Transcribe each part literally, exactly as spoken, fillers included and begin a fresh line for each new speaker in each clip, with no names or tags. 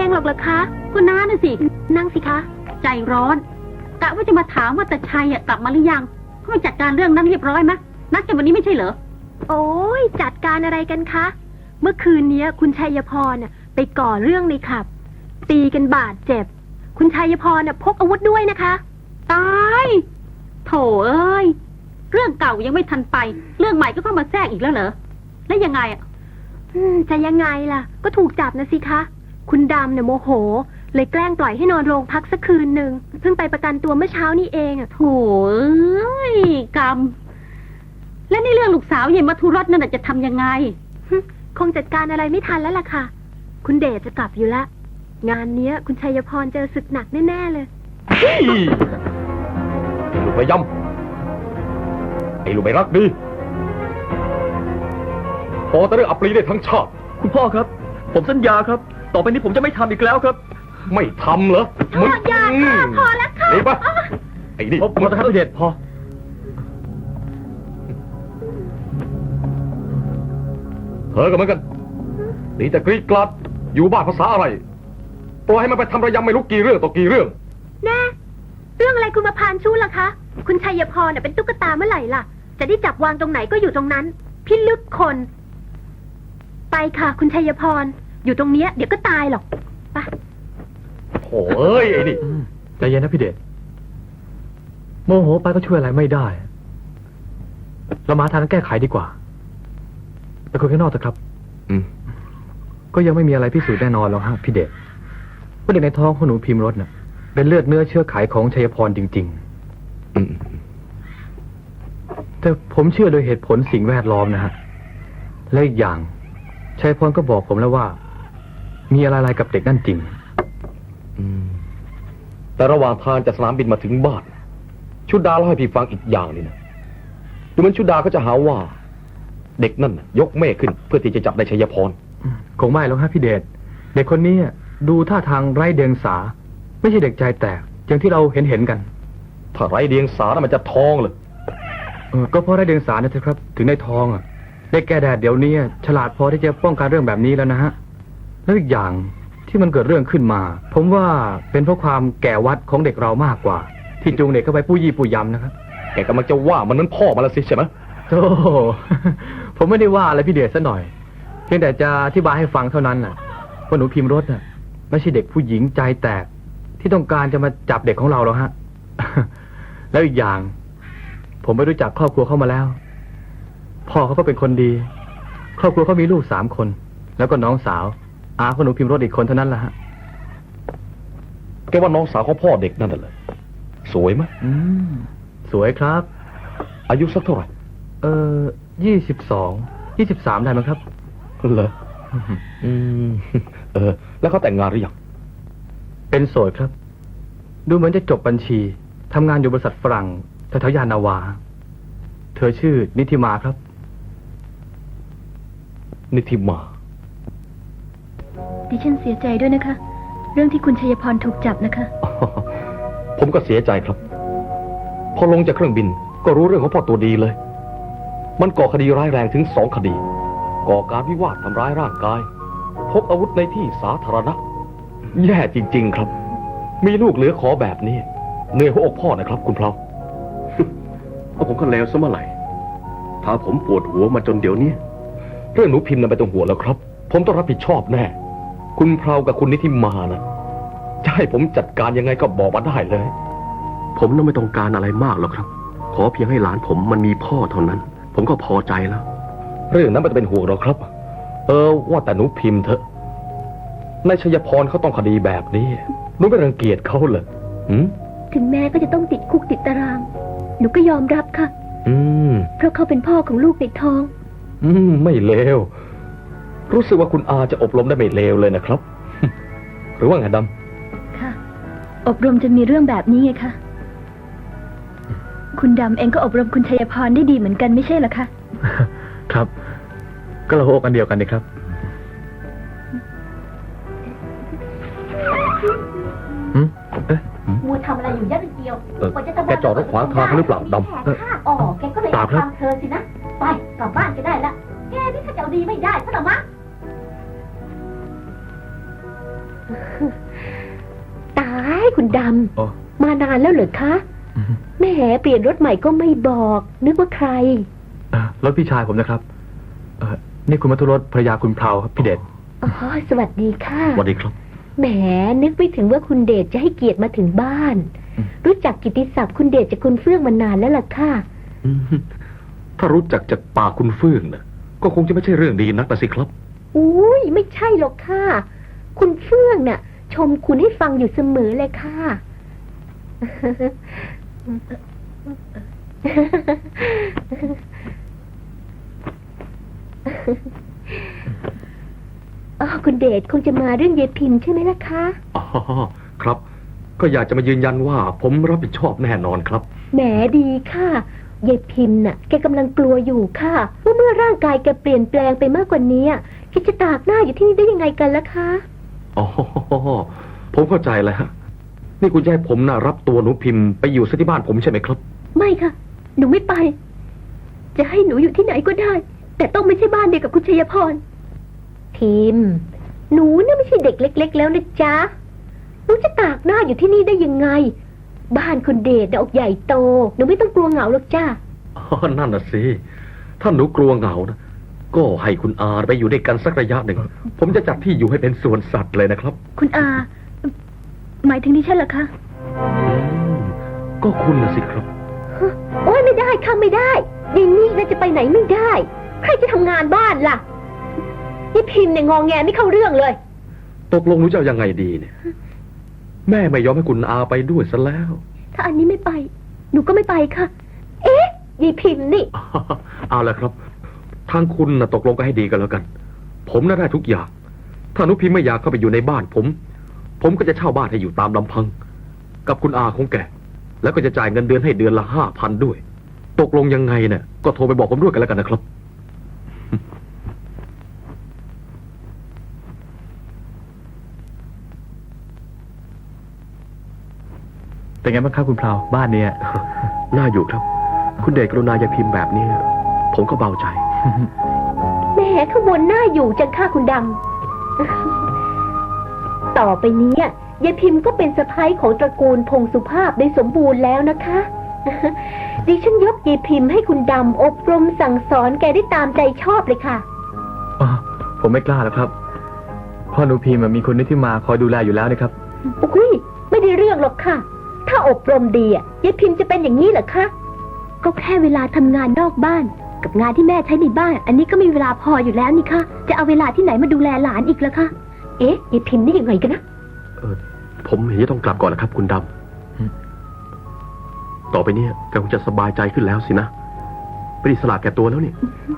องหรอกเหรอคะคุณน้าน่ะสินั่งสิคะใจร้อนกะว่าจะมาถามว่าตาชัยกลับมาหรือยังเขาไปจัดการเรื่องนั้นเรียบร้อยไหมนัดกันวันนี้ไม่ใช่เหรอโอ้ยจัดการอะไรกันคะเมื่อคืนนี้คุณชัยพรไปก่อเรื่องในขับตีกันบาดเจ็บคุณชัยพรพกอาวุธด้วยนะคะตายโถเอ้ยเรื่องเก่ายังไม่ทันไปเรื่องใหม่ก็เข้ามาแทรกอีกแล้วเหรอแล้วยังไงอ่ะจะยังไงล่ะก็ถูกจับนะสิคะคุณดำเนี่ยโมโหเลยแกล้งปล่อยให้นอนโรงพักสักคืนหนึ่งเพิ่งไปประกันตัวเมื่อเช้านี่เองอ่ะโถเอ้ยกรรมและในเรื่องลูกสาวเย็นมัทุรสนั่นจะทำยังไงคงจัดการอะไรไม่ทันแล้วล่ะค่ะคุณเดชจะกลับอยู่ละงานเนี้ยคุณชัยพรเจอศึกหนักแน่ๆเลย
ไอ้ลูกไปย่ำไอ้ลูกไปรักดีพอแต่เรื่องอัปรีได้ทั้งชาติ
คุณพ่อครับผมสัญญาครับต่อไปนี้ผมจะไม่ทำอีกแล้วครับ
ไม่ทำเหรอ
มึงอย่าค่ะพอแล้วค่ะ
นี่ปะไอ้นี่
พอพอครับพี่เดชพอ
เธอก็เหมือนกันนี่จะกรีดกลัดอยู่บ้านภาษาอะไรปล่อยให้มันไปทำระยำไม่รู้กี่เรื่องต่อกี่เรื่อง
แน่เรื่องอะไรคุณมาพานชู้ล่ะคะคุณชัยพรเป็นตุ๊กตาเมื่อไหร่ล่ะจะได้จับวางตรงไหนก็อยู่ตรงนั้นพิลึกคนไปค่ะคุณชัยพรอยู่ตรงเนี้ยเดี๋ยวก็ตายหรอกไป
โถ่เอ้ยไอ้นี่
ใจเย็นนะพี่เดชโมโหไปก็ช่วยอะไรไม่ได้เรามาทางแก้ไขดีกว่าไปคุยข้างนอกเถอะครับ
อืม
ก็ยังไม่มีอะไรพิสูจน์แน่นอนหรอกฮะพี่เดชว่าเด็กในท้องของหนูพิมพ์รถน่ะเป็นเลือดเนื้อเชื้อไขของชัยพรจริง
ๆอืม
แต่ผมเชื่อโดยเหตุผลสิ่งแวดล้อมนะฮะและอีกอย่างชัยพรก็บอกผมแล้วว่ามีอะไรๆกับเด็กนั่นจริง
อืมแต่ระหว่างทางจากสนามบินมาถึงบ้านชุดดาเล่าให้พี่ฟังอีกอย่างนี่นะดูเหมือนชุดดาก็จะหาว่าเด็กนั่นยกเมฆขึ้นเพื่อที่จะจับได้ชัยพร
คงไม่หรอกฮะพี่เดชเด็กคนนี้ดูท่าทางไร้เดียงสาไม่ใช่เด็กใจแตกอย่างที่เราเห็นเห็นกัน
ถ้าไร้เดียงสาน่ะมันจะท้องเลย
เออก็เพราะไร้เดียงสาเนี่ยเถอะครับถึงได้ท้องอ่ะเด็กแก่แดดเดี๋ยวนี้ฉลาดพอที่จะป้องกันเรื่องแบบนี้แล้วนะฮะแล้วอีกอย่างที่มันเกิดเรื่องขึ้นมาผมว่าเป็นเพราะความแก่วัดของเด็กเรามากกว่าที่จูงเด็กเข้าไปปู้ยี่ปู้ยำนะครับ
แกกำลังจะว่ามันนั้นพ่อมาแล้วสิใช่ไหม
โธ่ผมไม่ได้ว่าอะไรพี่เดชซะหน่อยเพียงแต่จะอธิบายให้ฟังเท่านั้นน่ะว่าหนูพิมพ์รถน่ะไม่ใช่เด็กผู้หญิงใจแตกที่ต้องการจะมาจับเด็กของเราหรอกฮะแล้วอีกอย่างผมไปรู้จักครอบครัวเข้ามาแล้วพ่อเขาก็เป็นคนดีครอบครัวเขามีลูกสามคนแล้วก็น้องสาวอาของหนูพิมพ์รถอีกคนเท่านั้นแหละฮะ
แกว่าน้องสาวของพ่อเด็กนั่นน่ะเลยสวยไหม
อืมสวยครับ
อายุสักเท่าไหร่
เออยี่สิบสองยี่สิบสามได้ไหมครับ
เหรออืมเออแล้วเขาแต่งงานหรือยัง
เป็นโสดครับดูเหมือนจะจบบัญชีทำงานอยู่บริษัทฝรั่งแถวๆยานนาวาเธอชื่อนิธิมาครับ
นิธิมา
ดิฉันเสียใจด้วยนะคะเรื่องที่คุณชัยพรถูกจับนะคะ
ผมก็เสียใจครับพอลงจากเครื่องบินก็รู้เรื่องของพ่อตัวดีเลยมันก่อคดีร้ายแรงถึงสองคดีก่อการวิวาททำร้ายร่างกายพกอาวุธในที่สาธารณะแย่จริงๆครับมีลูกเหลือขอแบบนี้เหนื่อยหัวอกพ่อนะครับคุณเพลา
ก็ผมก็เลวซะเมื่อไหร่ถ้าผมปวดหัวมาจนเดี๋ยวนี้
เรื่องหนูพิมพ์น่ะไม่ต้องห่วงแล้วครับผมต้องรับผิดชอบแน่คุณเพลากับคุณนิธิมานะจะให้ผมจัดการยังไงก็บอกมาได้เลย
ผมน่ะไม่ต้องการอะไรมากหรอกครับขอเพียงให้หลานผมมันมีพ่อเท่านั้นผมก็พอใจแล้ว
เรื่องนั้นไม่ต้องเป็นห่วงหรอกครับเออว่าแต่หนูพิมพ์เถอะนายชัยพรเขาต้องคดีแบบนี้หนูไม่รังเกียจเขาเหรอ
ถึงแม้ก็จะต้องติดคุกติดตารางหนูก็ยอมรับค่ะ
อืม
เพราะเขาเป็นพ่อของลูกในท้อง
อืมไม่เลวรู้สึกว่าคุณอาจะอบรมได้ไม่เลวเลยนะครับหรือว่าไงด
ำค่ะอบรมจนมีเรื่องแบบนี้ไงคะคุณดำเองก็อบรมคุณชัยพรได้ดีเหมือนกันไม่ใช่เหรอคะ
ครับก็เราโอกันเดียวกันดีครับ
หืมเอ๊ะมัวทำอะไรอยู่ยัดเดียว
แกจอดรถขวางทางหรือเปล่าดำ
อ๋อแกก็เลยทำเธอสินะไปกลับบ้านก็ได้ละแกนี่ถ้าจะเอาดีไม่ได้ซะหรอมะตายคุณด
โอ้
ำ มานานแล้วเหรอคะแหม่เปลี่ยนรถใหม่ก็ไม่บอก นึกว่าใคร
เอ่อรถพี่ชายผมนะครับ เออนี่คุณมัทุรสภรรยาคุณเพลาครับพี่เดช
อ๋อ สวัสดีค่ะ
สวัสดีครับ
แหมนึกไม่ถึงว่าคุณเดชจะให้เกียรติมาถึงบ้าน
อืม
รู้จักกิตติศัพท์คุณเดชจากคุณเฟื่องมานานแล้วล่ะค่ะ
อืมถ้ารู้จักจากปากคุณเฟื่องนะก็คงจะไม่ใช่เรื่องดีนักนะสิครับ
อุ้ยไม่ใช่หรอกค่ะ คุณเฟื่องน่ะ ชมคุณให้ฟังอยู่เสมอเลยค่ะ อ๋อคุณเดชคงจะมาเรื่องเยายพิมพ์ใช่ไหมล่ะคะ
อ๋อ ครับ ก็อยากจะมายืนยันว่าผมรับผิดชอบแน่นอนครับ
แหมดีค่ะยายพิมพ์น่ะ แกกำลังกลัวอยู่ค่ะว่าเมื่อร่างกายแกเปลี่ยนแปลงไปมากกว่านี้แกจะตากหน้าอยู่ที่นี่ได้ยังไงกันล่ะคะ
อ๋อ ผมเข้าใจแล้วฮะนี่คุณจะให้ผมนะรับตัวหนูพิมพ์ไปอยู่ซะที่บ้านผมใช่ไหมครับ
ไม่ค่ะ หนูไม่ไป จะให้หนูอยู่ที่ไหนก็ได้ แต่ต้องไม่ใช่บ้านเดียวกับคุณชัยพร พิมพ์ หนูน่ะไม่ใช่เด็กเล็ก ๆ แล้วนะจ๊ะ หนูจะตากหน้าอยู่ที่นี่ได้ยังไง บ้านคุณเดชน่ะออกใหญ่โต หนูไม่ต้องกลัวเหงาหรอกจ้า
อ๋อ นั่นน่ะสิ ถ้าหนูกลัวเหงานะ ก็ให้คุณอาไปอยู่ด้วยกันสักระยะหนึ่ง ผมจะจัดที่อยู่ให้เป็นสวนสัตว์เลยนะครับ
คุณอา หมายถึงดิฉันเหรอคะ
อืมก็คุณน่ะสิครับ
โอ้ยไม่ได้ค่ะไม่ได้ยายนี่น่าจะไปไหนไม่ได้ ใครจะทำงานบ้านล่ะนี่พิมพ์เนี่ยงองแงไม่เข้าเรื่องเลย
ตกลงหนูจะเอายังไงดีเนี่ย แม่ไม่ยอมให้คุณอาไปด้วยซะแล้ว
ถ้าอันนี้ไม่ไป หนูก็ไม่ไปค่ะ เอ๊ะยายพิมพ์นี่
เอาละครับ ทางคุณนะตกลงกันให้ดีกันแล้วกัน ผมน่าได้ทุกอย่าง ถ้าหนุพิมพ์ไม่อยากเข้าไปอยู่ในบ้านผม ผมก็จะเช่าบ้านให้อยู่ตามลำพัง กับคุณอาของแก แล้วก็จะจ่ายเงินเดือนให้เดือนละห้าพันด้วย ตกลงยังไงเนี่ยก็โทรไปบอกผมด้วยกันแล้วกันนะครับ
เป็นไงบ้างครับคุณเพลาบ้านเนี้ย
น่าอยู่ครับ คุณเดชกรุณาอย่าพิมพ์แบบนี้ ผมก็เบาใจ
แหมข้างบนหน้าอยู่จังค่าคุณดำ ต่อไปนี้ยายพิมพ์ก็เป็นสะพ้ายของตระกูลพงสุภาพได้สมบูรณ์แล้วนะคะ ดิฉันยกยายพิมพ์ให้คุณดำอบรมสั่งสอนแกได้ตามใจชอบเลยค่ะ
อ๋อผมไม่กล้าแล้วครับพ่อหนูพิมพ์อะมีคนนี้ที่มาคอยดูแลอยู่แล้วนะครับ
อุ้ยไม่ได้เรื่องหรอกค่ะ ถ้าอบรมดีอ่ะยายพิมพ์จะเป็นอย่างนี้เหรอคะ ก็แค่เวลาทำงานนอกบ้าน กับงานที่แม่ใช้ในบ้าน อันนี้ก็มีเวลาพออยู่แล้วนี่คะจะเอาเวลาที่ไหนมาดูแลหลานอีกล่ะคะ เอ๊ะยายพิมพ์นี่ยังไงกันนะ
เออผมเห็นจะต้องกลับก่อนนะครับ คุณด
อืม
ำต่อไปเนี้แกคงจะสบายใจขึ้นแล้วสินะเป็นอิสระแก่ตัวแล้วนี่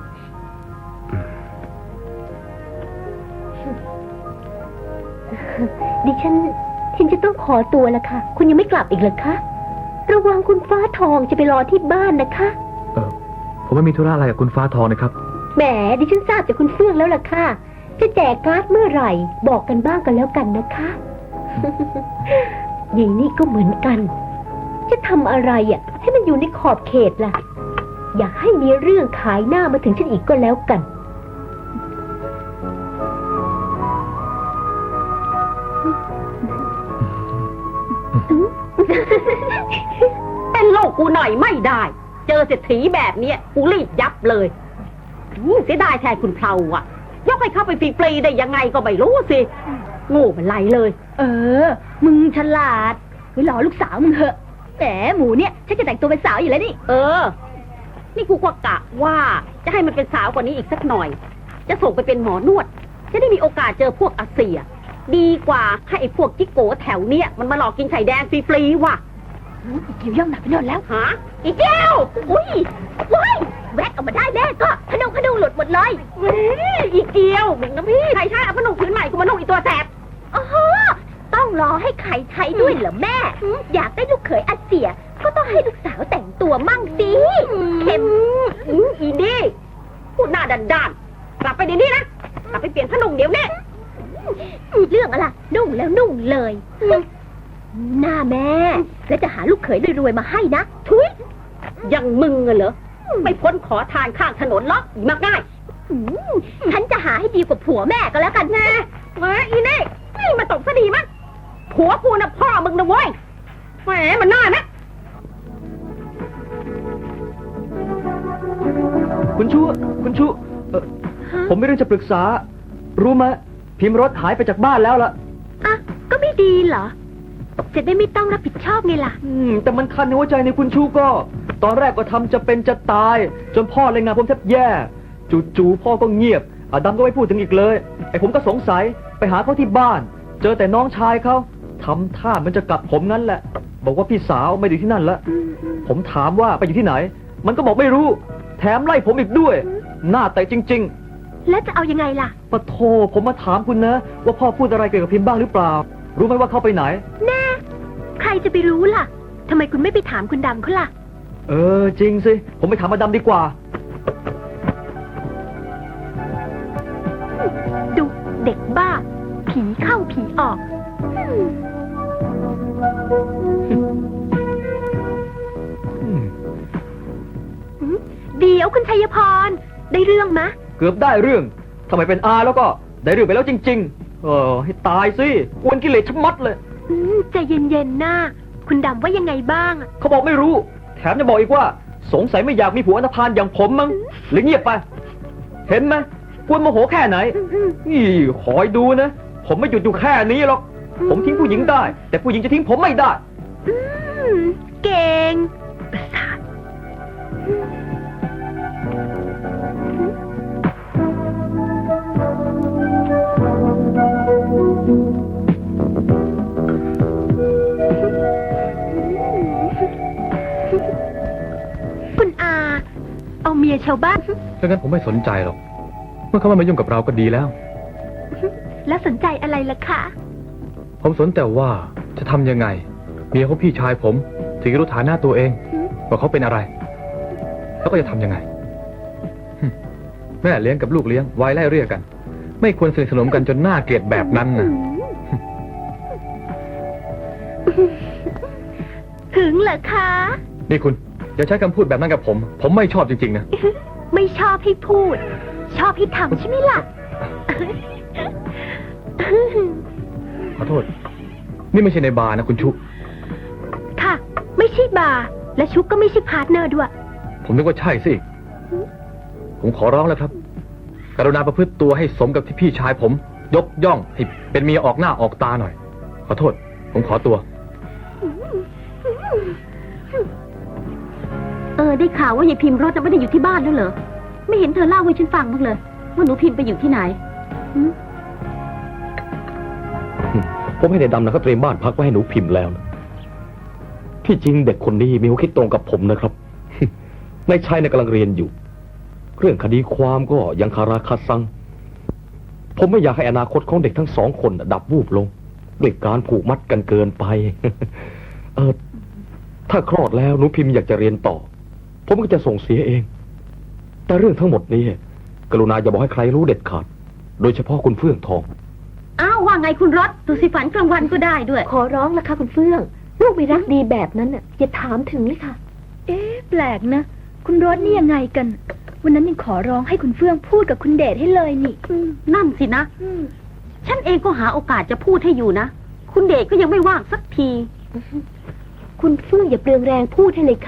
ดิฉันฉันจะต้องขอตัวละค่ะ คุณยังไม่กลับอีกเหรอคะ ระวังคุณฟ้าทองจะไปรอที่บ้านนะคะ
เออผมไม่มีธุระอะไรกับคุณฟ้าทองนะครับ
แหมดิฉันทราบจากคุณเฟื่องแล้วล่ะค่ะ จะแจกการ์ดเมื่อไหร่ บอกกันบ้างกันแล้วกันนะคะ อย่างนี้ก็เหมือนกัน จะทำอะไรอ่ะ ให้มันอยู่ในขอบเขตล่ะ อย่าให้มีเรื่องขายหน้ามาถึงฉันอีกก็แล้วกัน
เป็นโลกกูหน่อยไม่ได้ เจอเศรษฐีแบบเนี้ยกูรีบยับเลยอืมเสียดายแทนคุณเพลาอ่ะ ยกให้เข้าไปฟรีๆได้ยังไงก็ไม่รู้สิโง่เป็นไรเลย
เออ มึงฉลาดไปหล่อลูกสาวมึงเหอะแหมหมูเนี่ยฉันจะแต่งตัวเป็นสาวอยู่แล้วนี่
เออ นี่กูก็กะว่าจะให้มันเป็นสาวกว่านี้อีกสักหน่อย จะส่งไปเป็นหมอนวด จะได้มีโอกาสเจอพวกอาเซีย ดีกว่าให้ไอ้พวกจิกโกแถวเนี้ยมันมาหลอกกินไข่แดงฟรีๆว่ะ
อีเกียวย่องหนักไปโน่นแล้ว
ฮะอีแก้ว
อุ้ยว้ายแวกออกมาได้แม่ก็ขนมขนมหลุดหมดเลย
เว้ยอีเกียวมึงนะพี่ใครใช้เอาพนุ่งผืนใหม่กูมานุ่งอีตัวแสบ
อ๋อต้องรอให้ใครใช้ด้วยเหรอแม่ อยากได้ลูกเขยอาเซีย ก็ต้องให้ลูกสาวแต่งตัวมั่งสิเข็ม
อืมอีนี่พูดหน้าด้านๆกลับไปเดี๋ยวนี้นะกลับไปเปลี่ยนผ้านุ่งเดี๋ยวนี้
เรื่องอะไรนุ่งแล้วนุ่งเลยหน้าแม่ แล้วจะหาลูกเขยรวยๆมาให้นะทุย
ยังมึงอะเหรอไม่พ้นขอทานข้างถนนหรอกอีมากง่าย
อืมฉันจะหาให้ดีกว่าผัวแม่ก็แล้วกันนะ
มาอีนี่มาตกซะดีมั้งผัวกูน่ะพ่อมึงนะเว้ยแหมมันน่านะ
คุณชู คุณชูเอ่อผมไม่เรื่องจะปรึกษา รู้ไหมพิมพ์รถหายไปจากบ้านแล้วล่ะ
อ่ะ ก็ไม่ดีเหรอ จะได้ไม่ต้องรับผิดชอบไงล่ะ
อืม แต่มันคันในหัวใจในคุณชูก็ ตอนแรกก็ทำจะเป็นจะตาย จนพ่อเลยงานผมแทบแย่ จู่ๆพ่อก็เงียบอาดำก็ไม่พูดถึงอีกเลย ไอ้ผมก็สงสัยไปหาเขาที่บ้าน เจอแต่น้องชายเขาทำท่ามันจะกลับผมงั้นแหละ บอกว่าพี่สาวไม่ได้อยู่ที่นั่นละผมถามว่าไปอยู่ที่ไหน มันก็บอกไม่รู้ แถมไล่ผมอีกด้วย หน้าแต่จริง ๆ
แล้วจะเอายังไงล่ะ
ปะโทผมมาถามคุณนะ ว่าพ่อพูดอะไรเกี่ยวกับพิมพ์บ้างหรือเปล่า รู้ไหมว่าเขาไปไหน
แน่ ใครจะไปรู้ล่ะ ทำไมคุณไม่ไปถามคุณดำเขาล่ะ
เออ จริงสิ ผมไปถามมาดำดีกว่า
ดูเด็กบ้า ผีเข้าผีออก เดี๋ยวคุณชัยพร ได้เรื่องมะ
เกือบได้เรื่องทำไมเป็นอาแล้วก็ได้เรื่องไปแล้วจริง ๆ เออ ให้ตายสิกวนกิเลสชะมัดเลย
อืมใจเย็นๆนะคุณดำว่ายังไงบ้างอะ
เขาบอกไม่รู้ แถมจะบอกอีกว่า สงสัยไม่อยากมีผัวอันธพาลอย่างผมมั้งหรือเงียบไป เห็นไหมกวนโมโหแค่ไหน นี่คอยดูนะ ผมไม่หยุดอยู่แค่นี้หรอก ผมทิ้งผู้หญิงได้ แต่ผู้หญิงจะทิ้งผมไม่ได้
อืมเก่งประสาทคุณอา เอาเมียชาวบ้าน
ดังนั้นผมไม่สนใจหรอก เมื่อเขาไม่มายุ่งกับเราก็ดีแล้ว
แล้วสนใจอะไรล่ะคะ
ผมสนแต่ว่าจะทำยังไง เมียของพี่ชายผมถึงจะรู้ฐานะตัวเอง ว่าเขาเป็นอะไร แล้วก็จะทำยังไงหึแม่เลี้ยงกับลูกเลี้ยงไว้ไล่เรียกกัน ไม่ควรสนิทสนมกันจนน่าเกลียดแบบนั้นนะ
ถึงเหรอคะ
นี่คุณอย่าใช้คำพูดแบบนั้นกับผม ผมไม่ชอบจริงๆนะ
ไม่ชอบให้พูด ชอบให้ทำใช่ไหมล่ะ
ขอโทษ นี่ไม่ใช่ในบาร์นะคุณชุ
ค่ะ ไม่ใช่บาร์และชุกก็ไม่ใช่พาร์ทเนอร์ด้วย
ผมนึกว่าใช่สิ ผมขอร้องแล้วครับ กรุณาประพฤติตัวให้สมกับที่พี่ชายผม ยกย่องให้เป็นเมียออกหน้าออกตาหน่อย ขอโทษ ผมขอตัว
เออ ได้ข่าวว่ายายพิมพ์รถจะไม่ได้อยู่ที่บ้านแล้วเหรอ ไม่เห็นเธอเล่าให้ฉันฟังบ้างเลย ว่าหนูพิมพ์ไปอยู่ที่ไหนหืม
ผมให้ในดำนะเขาเตรียมบ้านพักไว้ให้หนูพิมพ์แล้วนะที่จริงเด็กคนนี้มีหัวคิดตรงกับผมนะครับ ในชายในยกำลังเรียนอยู่ เรื่องคดีความก็ยังคาราคาซัง ผมไม่อยากให้อนาคตของเด็กทั้งสองคนน่ะดับวูบลงด้วยการผูกมัดกันเกินไป เออ ถ้าคลอดแล้วหนูพิมพ์อยากจะเรียนต่อ ผมก็จะส่งเสียเอง แต่เรื่องทั้งหมดนี้กรุณาอย่าบอกให้ใครรู้เด็ดขาด โดยเฉพาะคุณเฟื่องทอง
อ้าวว่าไงคุณรถดูสิฝันกลางวันก็ได้ด้วย
ขอร้องละค่ะคุณเฟื่อง ลูกไม่รักดีแบบนั้นน่ะอย่าถามถึงเลยค่ะ
เอ๊ะแปลกนะ คุณรถนี่ยังไงกัน วันนั้นยังขอร้องให้คุณเฟื่องพูดกับคุณเดชให้เลยนี่
นั่นสินะ ฉันเองก็หาโอกาสจะพูดให้อยู่นะ คุณเดชก็ยังไม่ว่างสักที
คุณเฟื่องอย่าเปลืองแรงพูดให้เลยค่ะ